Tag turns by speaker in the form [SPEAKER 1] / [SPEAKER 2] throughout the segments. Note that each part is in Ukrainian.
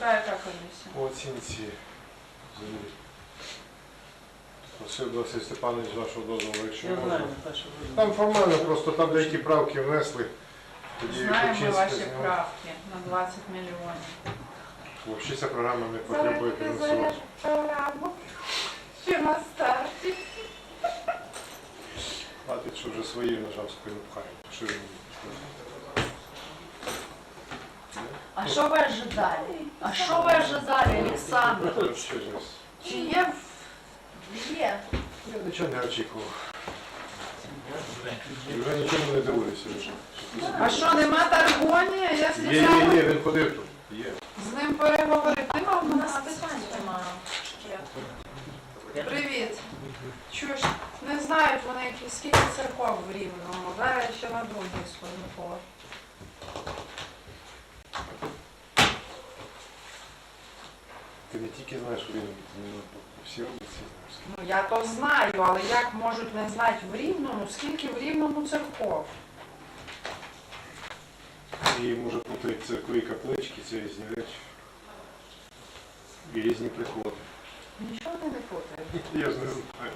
[SPEAKER 1] яка комісія?
[SPEAKER 2] По оцінці землі. Просив Василь Степанович вашого дозволу, якщо
[SPEAKER 3] Я
[SPEAKER 2] можна.
[SPEAKER 3] знаю, Наташа.
[SPEAKER 2] Там формально просто там деякі правки внесли. Тоді
[SPEAKER 1] Знаємо
[SPEAKER 2] Кучинська
[SPEAKER 1] ваші
[SPEAKER 2] зняла.
[SPEAKER 1] правки на 20 мільйонів.
[SPEAKER 2] Взагалі ця програма не потребує фінансування.
[SPEAKER 1] програму. Ще на старті.
[SPEAKER 2] Хватить, що вже свої нажав спину пхають. Що він?
[SPEAKER 1] А що ви ожидали? А що ви ожидали, Олександр?
[SPEAKER 2] Що ж?
[SPEAKER 1] Чи є? Є.
[SPEAKER 2] Я нічого не очікував. І вже нічого не дивуюся.
[SPEAKER 1] А що, нема Таргонія? Я
[SPEAKER 2] Є,
[SPEAKER 1] спеціально
[SPEAKER 2] він ходив тут. Є.
[SPEAKER 1] з ним переговорити. Нема в нас
[SPEAKER 4] питань немає.
[SPEAKER 1] Привіт. Чуєш, не знають вони, скільки церков в Рівному. Зараз я ще на другий сходу.
[SPEAKER 2] Ти не тільки знаєш, він всі вулиці знаєш.
[SPEAKER 1] Ну я то знаю, але як можуть не знати в Рівному, скільки в Рівному церков?
[SPEAKER 2] І може бути церкви і каплички, це різні речі. І різні приходи.
[SPEAKER 1] Нічого не путає.
[SPEAKER 2] Я ж не знаю.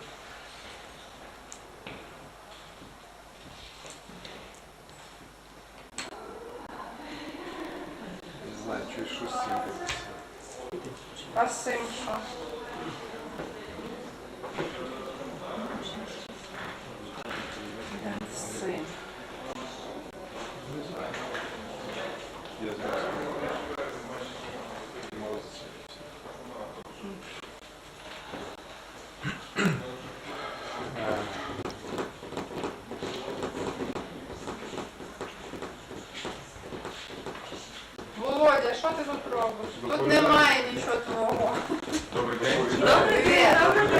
[SPEAKER 2] Не знаю, щось з цим робиться.
[SPEAKER 1] А з цим що? З цим.
[SPEAKER 2] Не знаю. Я знаю. Молодці.
[SPEAKER 1] Володя, що ти тут робиш? Тут немає нічого твого.
[SPEAKER 2] Добрий день.
[SPEAKER 1] Добрий день.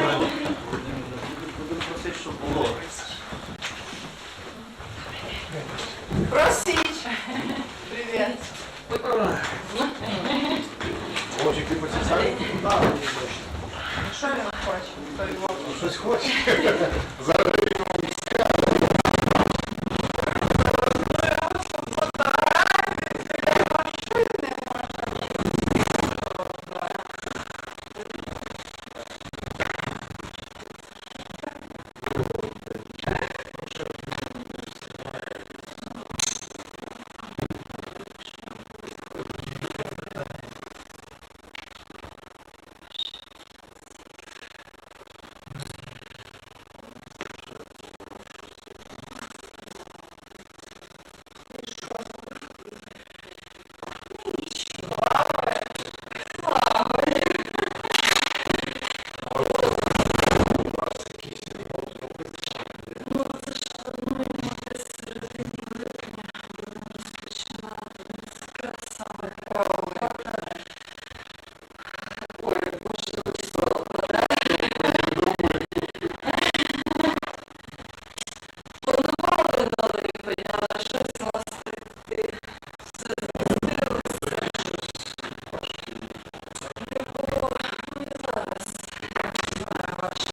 [SPEAKER 3] Будемо просити, щоб було.
[SPEAKER 1] Просіть. Привіт.
[SPEAKER 2] Може, ти поцікавий?
[SPEAKER 1] Що він хоче? Той Вовк?
[SPEAKER 2] Щось хоче. Зараз